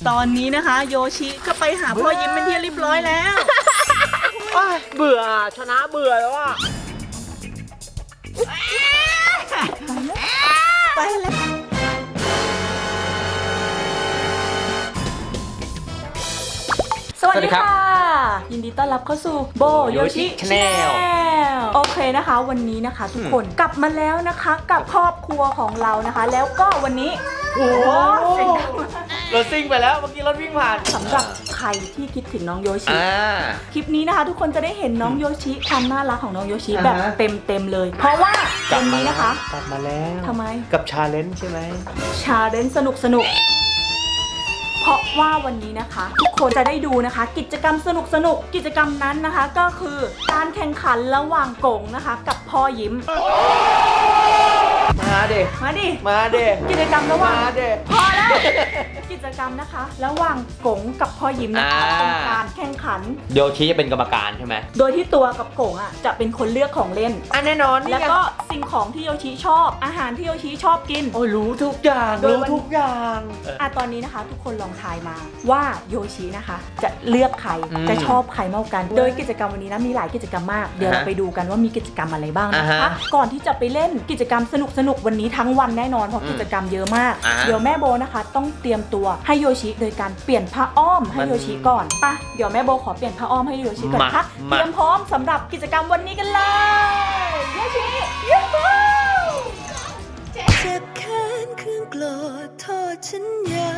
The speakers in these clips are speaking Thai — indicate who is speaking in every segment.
Speaker 1: ตอนนี้นะคะโยชิก็ไปหาพ่อยิ้มเป็นที่เรียบร้อยแล้ว
Speaker 2: เบื่อชนะเบื่อแล้วอ่ะ
Speaker 1: ไปแล้วสวัสดีค่ะยินดีต้อนรับเข้าสู่โบโยชิชาแนลโอเคนะคะวันนี้นะคะทุกคนกลับมาแล้วนะคะกับครอบครัวของเรานะคะแล้วก็วันนี้
Speaker 2: โอ้โหรถซิ่งไปแล้วเมื่อกี้รถวิ่งผ่าน
Speaker 1: สำหรับใครที่คิดถึงน้องโยชิคลิปนี้นะคะทุกคนจะได้เห็นน้องโยชิความน่ารักของน้องโยชิแบบเต็มเลย เพราะว่าวันนี้นะคะ
Speaker 2: กลับมาแล้ว
Speaker 1: ทำไม
Speaker 2: กับชาเลนจ์ใช่ไหม
Speaker 1: ชาเลนจ์สนุกเพราะว่าวันนี้นะคะทุกคนจะได้ดูนะคะกิจกรรมสนุกกิจกรรมนั้นนะคะก็คือการแข่งขันระหว่างกงนะคะกับพ่อยิ้ม
Speaker 2: มาเด็ก
Speaker 1: กิจกรรมระหว่างพอแล้วกิจกรรมนะคะระหว่างกงกับพ่อยิ้มนะคะเป็นการแข่งขัน
Speaker 2: โยชิจะเป็นกรรมการใช่ไหม
Speaker 1: โดยที่ตัวกับกงอ่ะจะเป็นคนเลือกของเล่น
Speaker 2: แน่นอน
Speaker 1: แล้วก็สิ่งของที่โยชิชอบอาหารที่โยชิชอบกิน
Speaker 2: โอ้รู้ทุกอย่าง
Speaker 1: ตอนนี้นะคะทุกคนลองทายมาว่าโยชินะคะจะเลือกใครจะชอบใครมากกันโดยกิจกรรมวันนี้นะมีหลายกิจกรรมมากเดี๋ยวเราไปดูกันว่ามีกิจกรรมอะไรบ้างนะคะก่อนที่จะไปเล่นกิจกรรมสนุกวันนี้ทั้งวันแน่นอนเพราะกิจกรรมเยอะมากเดี๋ยวแม่โบนะคะต้องเตรียมตัวให้โยชิโดยการเปลี่ยนผ้าอ้อมให้โยชิก่อนป่ะเดี๋ยวแม่โบขอเปลี่ยนผ้าอ้อมให้โยชิก่อนค่ะเตรียมพร้อมสำหรับกิจกรรมวันนี้กันเลยโยชิยูฮู
Speaker 3: จะแค้นเครื่องโกรธโทษฉันใหญ่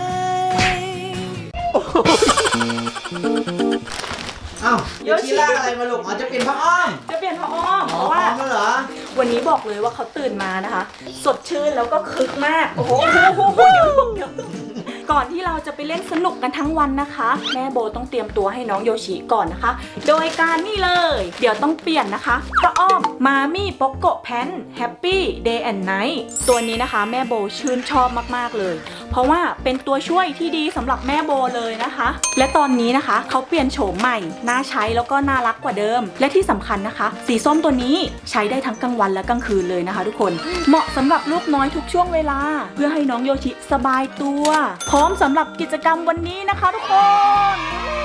Speaker 2: อ้าวโยชิล่าอะไรมาลูกอ๋อจะเปลี่ยนผ้าอ้อม
Speaker 1: เพราะว่าวันนี้บอกเลยว่าเขาตื่นมานะคะสดชื่นแล้วก็คึกมากโอ้โหเดี๋ยวก่อนที่เราจะไปเล่นสนุกกันทั้งวันนะคะแม่โบต้องเตรียมตัวให้น้องโยชิก่อนนะคะโดยการนี่เลยเดี๋ยวต้องเปลี่ยนนะคะผ้าอ้อมมามี่โปโกแพนแฮปปี้เดย์แอนด์ไนท์ตัวนี้นะคะแม่โบชื่นชอบมากๆเลยเพราะว่าเป็นตัวช่วยที่ดีสำหรับแม่โบเลยนะคะและตอนนี้นะคะเขาเปลี่ยนโฉมใหม่น่าใช้แล้วก็น่ารักกว่าเดิมและที่สำคัญนะคะสีส้มตัวนี้ใช้ได้ทั้งกลางวันและกลางคืนเลยนะคะทุกคนเหมาะสำหรับลูกน้อยทุกช่วงเวลาเพื่อให้น้องโยชิสบายตัวพร้อมสำหรับกิจกรรมวันนี้นะคะทุกคน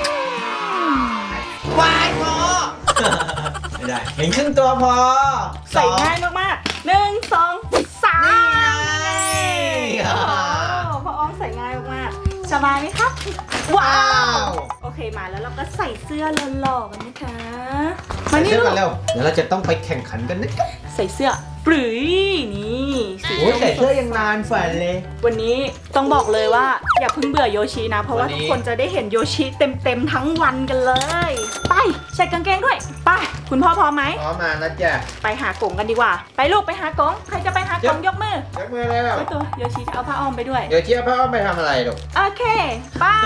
Speaker 2: วายพอไม่ได้เห็นครึ่งตัวพอ
Speaker 1: ใส่ง่ายมากๆ1 2 3พออ้อมใส่ง่ายมากๆสบายไหมครับว้าวโอเคมาแล้วเราก็ใส่เสื้อหล่อๆกันนะคะ
Speaker 2: ใส่เสื้อกันแล้วเดี๋ยวเราจะต้องไปแข่งขันกันนะ
Speaker 1: ใส่เสื้อปรื้ยนี่
Speaker 2: ใส่เสื้อยังนานฝันเลย
Speaker 1: วันนี้ต้องบอกเลยว่าอย่าเพิ่งเบื่อโยชินะเพราะว่าทุกคนจะได้เห็นโยชิเต็มทั้งวันกันเลยไปใส่กางเกงด้วยไปคุณพ่อพร้อมไหม
Speaker 2: พร้อมมานะจ๊ะ
Speaker 1: ไปหากงกันดีกว่าไปลูกไปหากงใครจะไปหากงยกมือ
Speaker 2: เลย
Speaker 1: ไปตัวโยชิจะเอาผ้าอ้อมไปด้วย
Speaker 2: โยชิเอาผ้าอ้อมไปทำอะไรลูก
Speaker 1: โอเคบาย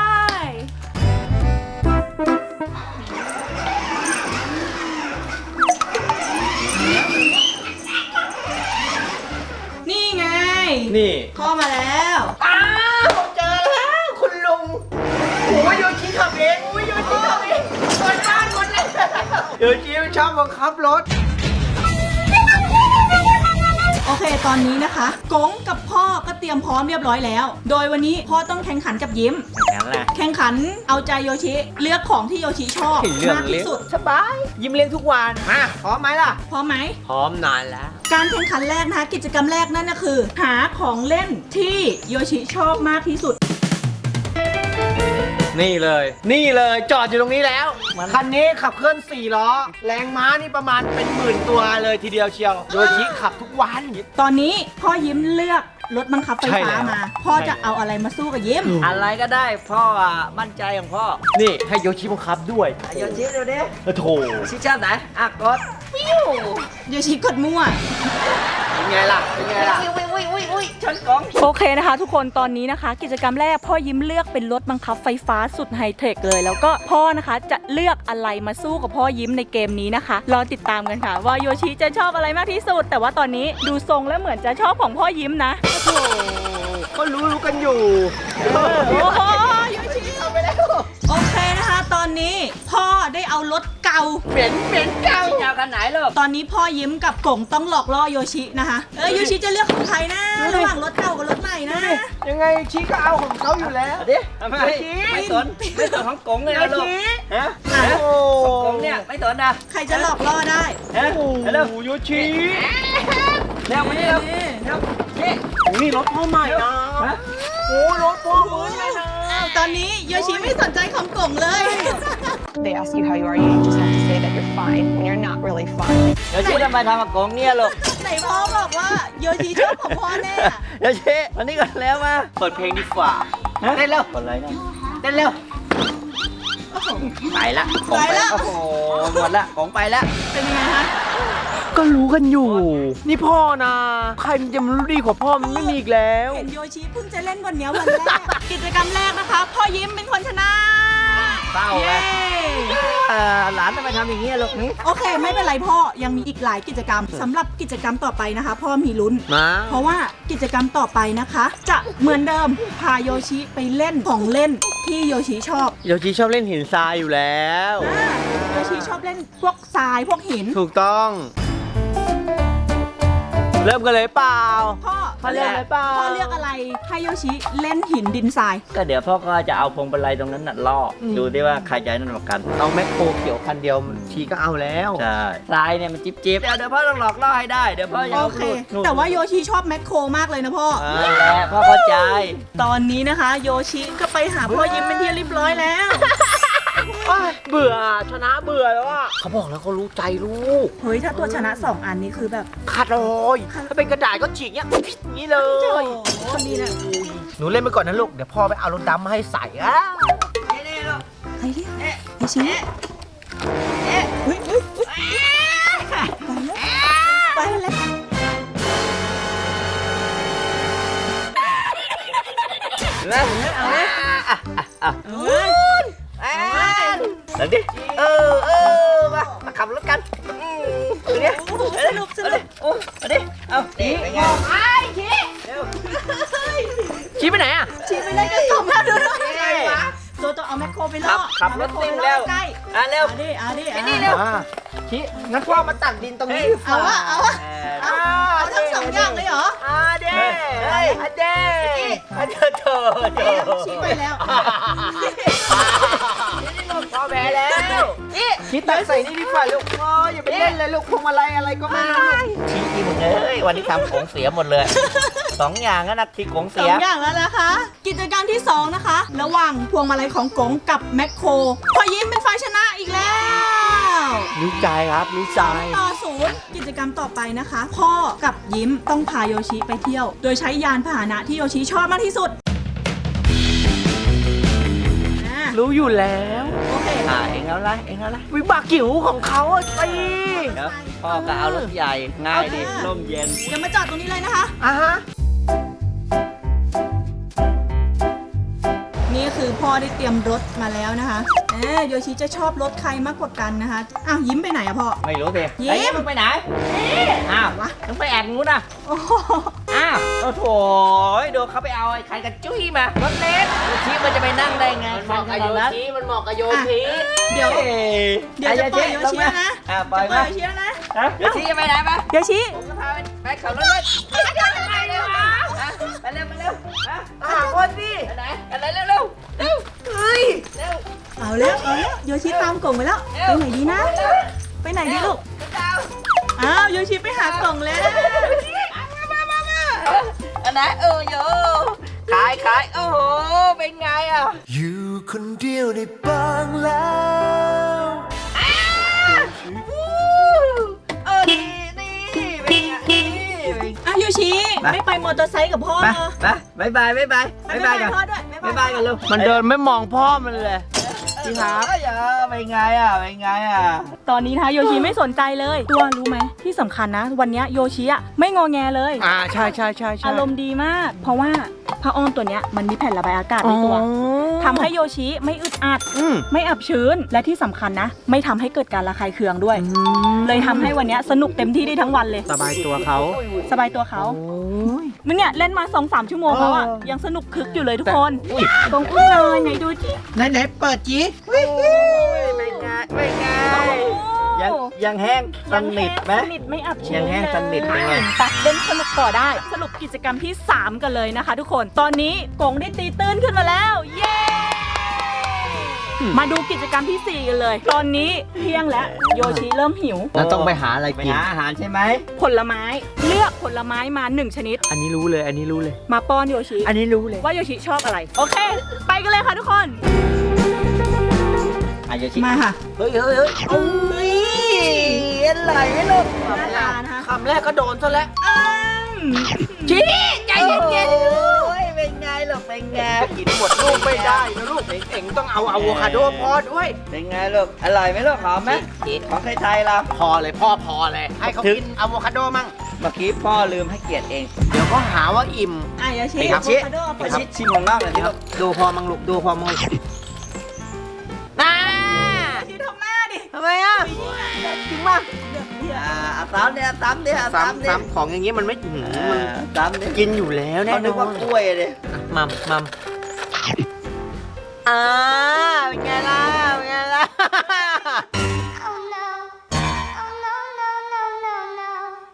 Speaker 2: นี่
Speaker 1: พ่อมาแล้ว
Speaker 2: เจอแล้วคุณลุงโอ้ยโยชิขับเองคนบ้านคนเลยโยชิชอบบังคับรถ
Speaker 1: โอเคตอนนี้นะคะกงกับพ่อก็เตรียมพร้อมเรียบร้อยแล้วโดยวันนี้พ่อต้องแข่งขันกับยิ้มแข่งขันเอาใจโยชิเลือกของที่โยชิชอบมากที่สุด
Speaker 2: สบายยิ้มเลี้ยงทุกวันมาพร้อมไหมล่ะ
Speaker 1: พร้อมไหม
Speaker 2: พร้อมนานแล้ว
Speaker 1: การแข่งขันแรกนะคะกิจกรรมแรกนั่นก็คือหาของเล่นที่โยชิชอบมากที่สุด
Speaker 2: นี่เลยจอดอยู่ตรงนี้แล้วคันนี้ขับเคลื่อน4 ล้อแรงม้านี่ประมาณเป็น10,000 ตัวเลยทีเดียวเชียวโยชิขับทุกวัน
Speaker 1: ตอนนี้พ่อยิ้มเลือกรถบังคับไฟฟ้ามาพ่อจะเอาอะไรมาสู้กับยิ้ม
Speaker 4: อะไรก็ได้พ่อมั่นใจของพ่อ
Speaker 2: นี่ให้โยชิบังคับด้วย
Speaker 4: โยชิดูดิ
Speaker 2: โถ
Speaker 4: ชิชาติไหนกด
Speaker 1: ฟิวโยชิกดมั่ว
Speaker 2: เป็นไงล่ะ
Speaker 4: ชนกอง
Speaker 1: โอเคนะคะทุกคนตอนนี้นะคะกิจกรรมแรกพ่อยิ้มเลือกเป็นรถบังคับไฟฟ้าสุดไฮเทคเลยแล้วก็พ่อนะคะจะเลือกอะไรมาสู้กับพ่อยิ้มในเกมนี้นะคะรอติดตามกันค่ะว่าโยชิจะชอบอะไรมากที่สุดแต่ว่าตอนนี้ดูทรงแล้วเหมือนจะชอบของพ่อยิ้มนะ
Speaker 2: ก็รู้กันอยู่
Speaker 1: โอ้โหโยชิเอาไปแล้วโอเคนะคะตอนนี้พ่อได้เอารถเก่า
Speaker 2: เหม็นเก่า
Speaker 4: จะเอาคันไหนลูก
Speaker 1: ตอนนี้พ่อยิ้มกับกงต้องหลอกล่อโยชินะคะโยชิจะเลือกของใครนะระหว่างรถเก่ากับรถใหม่นะ
Speaker 2: ยังไงชี้ก็เอาของเขาอยู่แล้ว
Speaker 4: เอาดิทำไมไม่สนของกงเลยนะลูกฮะ
Speaker 2: โอ้
Speaker 4: กงเนี่ยไม่สนนะ
Speaker 1: ใครจะหลอกล่อได้
Speaker 4: ฮะเร็ว
Speaker 2: โยชิ
Speaker 4: เร็วมานี่เร็วเร็วนี่
Speaker 2: นี่รถพ่อใหม่นะ
Speaker 4: ฮะ
Speaker 2: โอ้รถพ่อเหมือนเลยนะ
Speaker 1: ตอนนี้โยชิไม่สนใจของกงเลย
Speaker 5: They ask you how you are, you just have to say that you're fine when you're not really fine.
Speaker 4: เดี๋ยวชี้ทำไมทำกับกงเนี่ยลูก
Speaker 1: ไหนพ่อบอกว่าโยชิชอบของพ่อแน่อะ
Speaker 4: เดี๋ยวชี้วันนี้ก่อนแล้วมา
Speaker 2: เปิดเพลงดีกว่า
Speaker 4: เต้นเร็วคนไรนะเต้นเร็วไปละของไปละโอ้โหหมดละของไปละ
Speaker 1: เป็นยังไงคะ
Speaker 2: ก็รู้กันอยู่ นี่พ่อนะใครมันจะมารู้ดีกว่าพ่อมันไม่มีอีกแล้ว
Speaker 1: เห็นโยชิเพิ่งจะเล่นวันเนี้ยวันแรก กิจกรรมแรกนะคะ พ่อยิ้มเป็นคนชนะ
Speaker 4: เศร้า
Speaker 1: เย้
Speaker 4: หลานทำไมทำอย่างนี้ลูกนี่
Speaker 1: โอเค ไม่เป็นไรพ่อยังมีอีกหลายกิจกรรมสำหรับกิจกรรมต่อไปนะคะ พ่อมีลุ้น
Speaker 2: มา
Speaker 1: เพราะว่ากิจกรรมต่อไปนะคะ จะเหมือนเดิมพาโยชิไปเล่นของเล่นที่โยชิชอบ
Speaker 2: โยชิชอบเล่นหินทรายอยู่แล้ว
Speaker 1: โยชิชอบเล่นพวกทรายพวกหิน
Speaker 2: ถูกต้อง เริ่มกันเลยเปล่า
Speaker 1: พ่อ
Speaker 2: เลือกอะไรเปล่า
Speaker 1: พ่อเลือกอะไรให้โยชิเล่นหินดินทราย
Speaker 4: ก็เดี๋ยวพ่อก็จะเอาพวงมาลัยตรงนั้นน่ะล่ออดูดิว่าใครจะนั่นกว่ากัน
Speaker 2: เอาแมคโครเขียวคันเดียวชีก็เอาแล้ว
Speaker 4: ใช่ทรายเนี่ยมันจิ๊บจิ๊บเดี๋ยวพ่อต้องหลอกล่อให้ได้เดี๋ยวพ่อจะ
Speaker 1: โอ
Speaker 4: เอา
Speaker 1: เค
Speaker 4: ลูก
Speaker 1: แต่ว่าโยชิชอบแมคโครมากเลยนะพ่อ
Speaker 4: นั่นแหละพ่อเข้าใจ
Speaker 1: ตอนนี้นะคะ โยชิก็ไปหาพ่อยิ้มเป็นที่เรียบร้อยแล้ว
Speaker 2: เบื่อชนะเบื่อแล้วอ่ะเขาบอกแล้วเขารู้ใจลูก
Speaker 1: เฮ้ยถ้าตัวชนะ2อันนี้คือแบบ
Speaker 2: ขาดเลยถ้าเป็นกระดาษก็ฉีกเนี้ยพิษนี้เลย
Speaker 1: คนดีนะ
Speaker 2: หนูเล่นไปก่อนนะลูก เดี๋ยวพ่อไปเอารถดำมาให้ใส่อ่ะ
Speaker 4: นี่ลูก
Speaker 1: ใครเรียกโยชิอุ้ยไปแล้ว
Speaker 4: แล้วเอาเลย
Speaker 1: เฮ้ย
Speaker 4: เดี๋ยวดิมาขับรถกันดูดิ
Speaker 1: สนุกสนุก
Speaker 4: เอาดิเอาดิเป็นไง
Speaker 2: ชี้ไปไหนอ่ะ
Speaker 1: ชีไปเล่นกัน2แล้วดูตัวต้องเอาแมคโครไปล่อ
Speaker 4: ขับรถซิ่งแล้ว
Speaker 1: ใกล้
Speaker 4: เร็ว
Speaker 1: เอาดิ
Speaker 4: นี่เร็ว
Speaker 2: ชี้งั้นพ่อมาตักดินตรงนี้
Speaker 1: เอาทั้ง2อย่างเลยเหรอ
Speaker 2: เด้เด้เธอ
Speaker 1: ชี้ไปแล้ว
Speaker 2: พ่อแพ้แล้วชี้ตักใส่นี่ดีกว่าลูกพ่ออย่าไปเล่นเลยลูกพวงมาลัยอะไรก็ไม่รู้ลูก
Speaker 4: ชี้อีมึงเอ้ยวันนี้ทำของเสียหมดเลย2อย่างนั่นนะที่ของเสีย
Speaker 1: 2อย่างแล้วนะคะ กิจกรรมที่2นะคะ ระหว่างพวงมาลัยของกงกับแมคโครพอยิ้มเป็นฝ่ายชนะอีกแล้ว
Speaker 2: รู้ใจครับรู้ใจ
Speaker 1: ต่อ0กิจกรรมต่อไปนะคะ พ่อกับยิ้มต้องพาโยชิไปเที่ยว โดยใช้ยานพาหนะที่โยชิชอบมากที่สุด
Speaker 2: รู้อยู่แล้ว
Speaker 1: โอเค
Speaker 4: เองเอาละ
Speaker 2: วิบากจิ๋วของเขาอ่ะสิ
Speaker 4: เดี๋ยวพ่อก็เอารถใหญ่ง่ายดิร่มเย็น
Speaker 1: เดี๋ยวมาจอดตรงนี้เลยนะคะ
Speaker 2: อ่ะฮะ
Speaker 1: นี่คือพ่อได้เตรียมรถมาแล้วนะคะโยชิจะชอบรถใครมากกว่ากันนะคะอ้าวยิ้มไปไหนอะพ่อ
Speaker 4: ไม่รู้สิ
Speaker 1: ยิ้ม
Speaker 4: ไอ้มึงไปไหนอ้าวมึงไปแอบงูนะ
Speaker 1: โอ้โห
Speaker 4: อ้าวโอ้โถดูเขาไปเอาไอ้ใครกันจุ้ยมารถเล็กชี้มันจะไปนั่งได้ไงคันขนาดนั้น
Speaker 2: มันเหมาะกับโยชิ
Speaker 1: เดี๋ยวจะปล่อยโยชิแล้วนะ
Speaker 4: ปล่อย
Speaker 1: จะปล่
Speaker 4: มา
Speaker 1: อยโยชิแล้วนะ
Speaker 4: เดี๋ยวชี้จะไปไหนปะ
Speaker 1: โยชิ
Speaker 4: ผมก็พาไปขับรถเลยไปเร็วไปเร็ว
Speaker 2: คนสิ
Speaker 4: ไปไหนอะไรเร็ว
Speaker 2: เฮ้ย
Speaker 1: เอาแล้วโยชิตามกล่องไปแล้วไปไหนดีนะ ไปไหนดีลูกอ้าวโยชิไปหากล่องแล้ว
Speaker 4: อันไหนโยขายโอ้โหเป็นไงอ่ะ
Speaker 3: อยู่คนเดียวในบางแล้ว
Speaker 4: นี่เป็นไง
Speaker 1: อ้าวโยชิไม่ไปมอเตอร์ไซค์กับพ่อเหรอ
Speaker 4: ไปบายกัน
Speaker 1: พ่อด้วย
Speaker 4: บายกันลูก
Speaker 2: มันเดินไม่มองพ่อมันเลยพี่ครับ
Speaker 4: เป็นไงอ่ะ
Speaker 1: ตอนนี้นะคะโยชิไม่สนใจเลยตัวรู้ไหมที่สำคัญนะ วันนี้โยชิอะไม่งอแงเลย
Speaker 2: ใช่
Speaker 1: อารมณ์ดีมาก เพราะว่าผ้าอ้อมตัวเนี้ยมันมีแผ่นระบายอากาศในตัวทำให้โยชิไม่อึดอัด ไม่อับชื้นและที่สำคัญนะ ไม่ทำให้เกิดการระคายเคืองด้วย เลยทำให้วันนี้สนุกเต็มที่ได้ทั้งวันเลย
Speaker 2: สบายตัวเขา
Speaker 1: สบายตัวเขามึงเนี่ยเล่นมา 2-3 ชั่วโมงแล้วอะยังสนุกคึกอยู่เลยทุกคนตรงอุ้ยเลยไหนดูจิ
Speaker 2: ไหนเปิดจี
Speaker 4: เป็นไงยังแห้งสนิทไหม
Speaker 1: สนิทไม่อับชื้น
Speaker 4: ยังแห้งสนิทเป็นไง
Speaker 1: ไปเล่นสนุกต่อได้สรุปกิจกรรมที่ 3 กันเลยนะคะทุกคนตอนนี้กงได้ตีตื้นขึ้นมาแล้ว เย้ มาดูกิจกรรมที่ 4 กันเลย ตอนนี้เที่ยงแล้วโยชิเริ่มหิว
Speaker 2: เราต้องไปหาอะไร
Speaker 4: ไป
Speaker 2: กิน
Speaker 4: หาอาหารใช่ไหม
Speaker 1: ผลไม้เลือกผลไม้มา 1 ชนิด
Speaker 2: อันนี้รู้เลย อันนี้รู้เลย
Speaker 1: มาป้อนโยชิ
Speaker 2: อันนี้รู้เลย
Speaker 1: ว่าโยชิชอบอะไร โอเค ไปกันเลยค่ะทุกคน
Speaker 4: อาโยชิ
Speaker 1: มาค่ะ
Speaker 2: เฮ้ยโอ้ยอะไรไม่รู้
Speaker 1: หน้าตานะคะ
Speaker 2: คำแรกก็โดนซะแล้ว
Speaker 1: ชี้ใจเย็น
Speaker 2: โอ้ยเป็นไงหรอกเป็นไงกินหมดลูกไม่ได้นะลูกเอ็งต้องเอาอะโวคาโดพอด้วย
Speaker 4: เป็นไงลูกอร่อยไหมลูกหอมไหมของไทยๆเรา
Speaker 2: พอเลยพ่อพอเลยให้เขากินอะโวคาโดมั่ง
Speaker 4: เมื่อกี้พ่อลืมให้เกียรติเอง
Speaker 2: เดี๋ยวก็หาว่าอิ่ม
Speaker 1: อ่ะโยชิ
Speaker 2: ไปครับ
Speaker 1: อะโวคาโด
Speaker 4: ไปชิมของนอกหน่อยสิลูก
Speaker 2: ดูพอมังลูกดูพอมังลูกน่า
Speaker 1: ชี้ทำหน้าดิ
Speaker 2: ทำไมอ่ะจริงป่ะ
Speaker 4: เอาซ้ำเนี่ยซ้ำเนี่ยซ้ำเนี่ย
Speaker 2: ซ้ำของอย่างงี้มันไม่หืมมัน
Speaker 4: ซ้ำเนี่ย
Speaker 2: กินอยู่แล้วแน่
Speaker 4: เขา
Speaker 2: น
Speaker 4: นึก
Speaker 2: อ
Speaker 4: ว่าน กล้วยเลย
Speaker 2: มัมเป็นไงล่ะเป็นไงล่ะ
Speaker 3: Oh no. Oh no, no, no, no, no.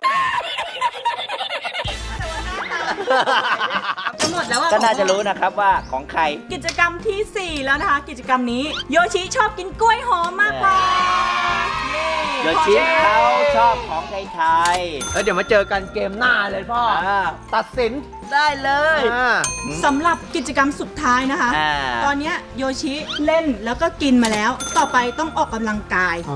Speaker 1: จะหมดแล้วอ่ะ
Speaker 4: ก็น่าจะรู้นะครับว่าของใคร
Speaker 1: กิจกรรมที่ 4 แล้วนะคะ กิจกรรมนี้โยชิชอบกินกล้วยหอมมากกว่าเย้
Speaker 4: โยชิเขาชอบของไทย
Speaker 2: แล้วเดี๋ยวมาเจอกันเกมหน้าเลยพ่อ ตัดสิน
Speaker 4: ๆได้เลย
Speaker 1: สำหรับกิจกรรมสุดท้ายนะคะ ตอนเนี้ยโยชิเล่นแล้วก็กินมาแล้ว ต่อไปต้องออกกำลังกาย
Speaker 2: โอ้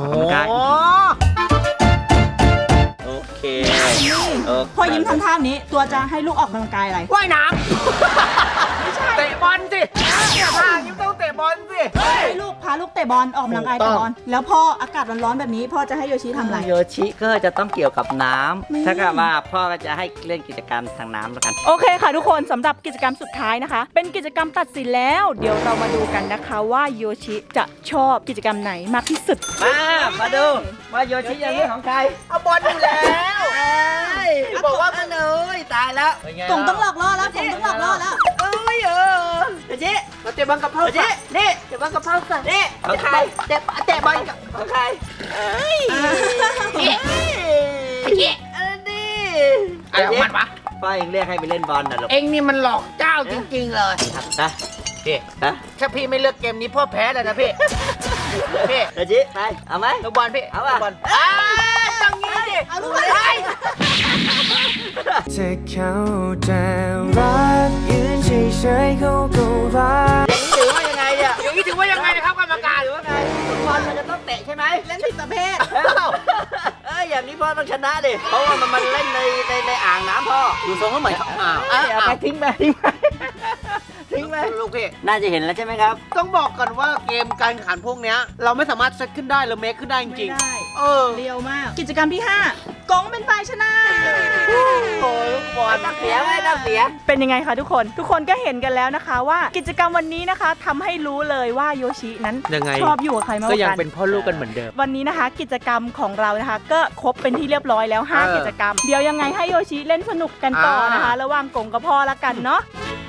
Speaker 4: โอเค
Speaker 1: พอยิ้มทำท่านี้ตัวจะให้ลูกออกกำลังกายอะไร
Speaker 2: ว่ายน้ำเตะบอลสิเนี่ยท่ายิ้มต้องเตะบอลสิ
Speaker 1: ให้ลูกพาลูกเตะบอลออกกำลังกาย
Speaker 2: ถูกต้
Speaker 1: เตะ
Speaker 2: อง
Speaker 1: บอลแล้วพออากาศร้อนๆแบบนี้พ่อจะให้โยชิทำอะไร
Speaker 4: โยชิก็จะต้องเกี่ยวกับน้
Speaker 1: นี่
Speaker 4: ำถ้าเกิดว่าพ่อก็จะให้เล่นกิจกรรมทางน้ำแล้วกัน
Speaker 1: โอเคค่ะทุกคนสำหรับกิจกรรมสุดท้ายนะคะ เป็นกิจกรรมตัดสินแล้ว เดี๋ยวเรามาดูกันนะคะว่าโยชิจะชอบกิจกรรมไหนมากที่สุด
Speaker 4: มาดูว่าโยชิจะเลือกของใคร
Speaker 2: เอาบอลอยู่แล้ว
Speaker 4: บอกว่ามันเลยตายแล้ว
Speaker 1: กงต้องหลอกล่อแล้วกงต้องหลอกล่อแล้ว
Speaker 4: เอ้ยโยชิ
Speaker 2: มาเตะบอลกับพ่อ
Speaker 4: โยชินี่
Speaker 2: เตะบอลกับพ่อสิ
Speaker 4: นี่ของใครเตะบอลกับของใครนี่
Speaker 2: อะไรของมันวะ
Speaker 4: พ่อเองเรียกให้ไปเล่นบอลนะลูก
Speaker 2: เอ็งนี่มันหลอกเจ้าจริงๆเลย
Speaker 4: นะ
Speaker 2: พี่
Speaker 4: นะ
Speaker 2: ถ้าพี่ไม่เลือกเกมนี้พ่อแพ้เลยนะพี่พี่
Speaker 4: โยชิไปเอาไหม
Speaker 2: ลูกบอลพี่
Speaker 4: เอาป่ะ
Speaker 2: ลูกบอลต้องงี้ดิ
Speaker 1: เอาลูกบอล
Speaker 2: ไป
Speaker 6: ถ้าเขาจะรักยืนเฉยๆเขาก็รัก
Speaker 4: อย่างนี้ถือว่ายังไงเนี่ย
Speaker 2: อย่างนี้ถือว่ายังไงนะครับกรรมการหรือว่าไง
Speaker 4: บอลมันจะต้องเตะใช่ไหม
Speaker 1: เล่นผิดประเภท
Speaker 4: อย่างนี้พ่อต้องชนะดิ เพราะว่ามันเล่นในอ่างน้ำพ่อ
Speaker 2: ดูทรงก็เหมือนเขา
Speaker 4: เอาไปทิ้งไปทิ้งไปทิ้งไป
Speaker 2: ลูกพี่
Speaker 4: น่าจะเห็นแล้วใช่ไหมครับ
Speaker 2: ต้องบอกก่อนว่าเกมการแข่งขันพวกเนี้ยเราไม่สามารถเซตขึ้นได้หรือเมคขึ้นได้จ
Speaker 1: ไม่
Speaker 2: ริง
Speaker 1: ได้
Speaker 2: ๆเออ
Speaker 1: เรียวมาก กิจกรรมที่ 5 กงเป็นฝ่ายชนะ
Speaker 4: โอ้ยบอลนักเสียไม่นักเสีย
Speaker 1: เป็นยังไงคะทุกคน ทุกคนก็เห็นกันแล้วนะคะว่ากิจกรรมวันนี้นะคะทำให้รู้เลยว่าโยชินั้น
Speaker 2: ยังไง
Speaker 1: ชอบอยู่กับใครมากก
Speaker 2: ก็
Speaker 1: ว่า
Speaker 2: ยัง
Speaker 1: กัน
Speaker 2: เป็นพ่อลูกกันเหมือนเดิม
Speaker 1: วันนี้นะคะ กิจกรรมของเรานะคะ ก็ครบเป็นที่เรียบร้อยแล้ว 5 กิจกรรม เดี๋ยวยังไงให้โยชิเล่นสนุกกันต่อนะคะ ระหว่างกงกับพ่อละกันเนาะ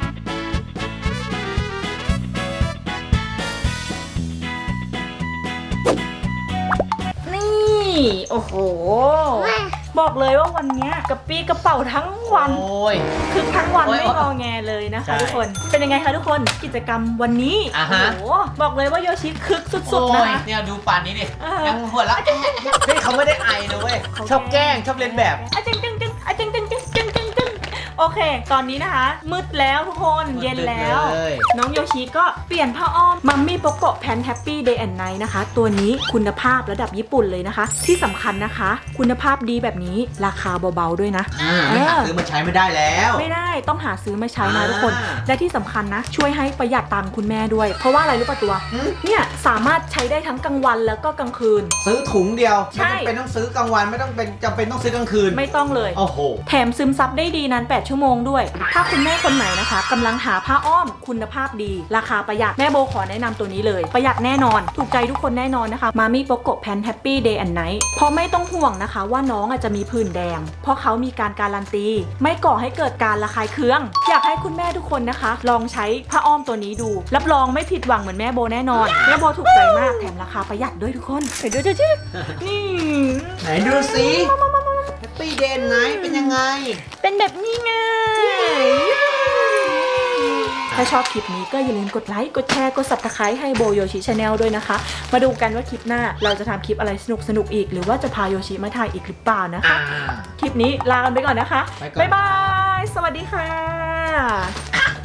Speaker 1: นี่ โอ้โห บอกเลยว่าวันเนี้ยกระปี้กระเป๋าทั้งวัน
Speaker 2: โอ้ย
Speaker 1: คือทั้งวัน
Speaker 2: โอ้ย
Speaker 1: ไม่งอแงเลยนะคะ
Speaker 2: ใช่
Speaker 1: ทุกคน เป็นยังไงคะทุกคน กิจกรรมวันนี้
Speaker 2: อ่า
Speaker 1: โอ้
Speaker 2: ฮะ
Speaker 1: โห บอกเลยว่าโยชิคึกสุดๆนะคะ
Speaker 2: เนี่ยดูป่านนี้ดิ
Speaker 1: เออ
Speaker 2: ยังหัวเราะเฮ้ยเขาไม่ได้ไอนะเว้ย ชอบแกล้งชอบเล่นแบบ
Speaker 1: อะจึงจึงจึงอะจึงจึงจึงจึงจึงจึงโอเค ตอนนี้นะคะ มืดแล้วทุกคน เย็นแล้ว
Speaker 2: เลย
Speaker 1: น้องโยชิก็เปลี่ยนผ้าอ้อมมัมมี่โปโกะแพนแฮปปี้เดย์แอนด์ไนท์นะคะ ตัวนี้คุณภาพระดับญี่ปุ่นเลยนะคะ ที่สำคัญนะคะ คุณภาพดีแบบนี้ราคาเบาๆด้วยนะ
Speaker 2: ไม่หาซื้อมาใช้ไม่ได้แล้ว
Speaker 1: ไม่ได้ต้องหาซื้อมาใช้นะทุกคน
Speaker 2: อ่า
Speaker 1: และที่สำคัญนะ ช่วยให้ประหยัดตังค์คุณแม่ด้วย เพราะว่าอะไรรู้ป่ะตัว เนี่ยสามารถใช้ได้ทั้งกลางวันแล้วก็กลางคืน
Speaker 2: ซื้อถุงเดียว
Speaker 1: ใช่
Speaker 2: ไม่จำเป็นต้องซื้อกลางวันไม่ต้องเป็นจำเป็นต้องซื้อกลางคืน
Speaker 1: ไม่ต้องเลย
Speaker 2: โอ้โห
Speaker 1: แถมซึมซับได้ดีนาน8 ชั่วชั่วโมงด้วยถ้าคุณแม่คนไหนนะคะกำลังหาผ้าอ้อมคุณภาพดีราคาประหยัดแม่โบขอแนะนำตัวนี้เลยประหยัดแน่นอนถูกใจทุกคนแน่นอนนะคะมามี่โปโกะแพนแฮปปี้เดย์แอนด์ไนท์เพราะไม่ต้องห่วงนะคะว่าน้องอาจจะมีผื่นแดงเพราะเขามีการการันตีไม่ก่อให้เกิดการระคายเคืองอยากให้คุณแม่ทุกคนนะคะลองใช้ผ้าอ้อมตัวนี้ดูรับรองไม่ผิดหวังเหมือนแม่โบแน่นอนแม่โบถูกใจมากแถมราคาประหยัดด้วยทุกคนเห็นด้วยจ้ะนี่
Speaker 2: ไหนดูสิแฮปปี้เดย์ไหนเป็นยังไง
Speaker 1: เป็นแบบนี้ไงถ้าชอบคลิปนี้ก็อย่าลืมกดไลค์กดแชร์กด Subscribe ให้โบโยชิชาแนลด้วยนะคะมาดูกันว่าคลิปหน้าเราจะทำคลิปอะไรสนุกอีกหรือว่าจะพาโยชิมาถ่ายอีกหรือเปล่านะคะคลิปนี้ลากันไปก่อนนะคะ
Speaker 2: ไปก่อน
Speaker 1: บ๊ายบายสวัสดีค่ะ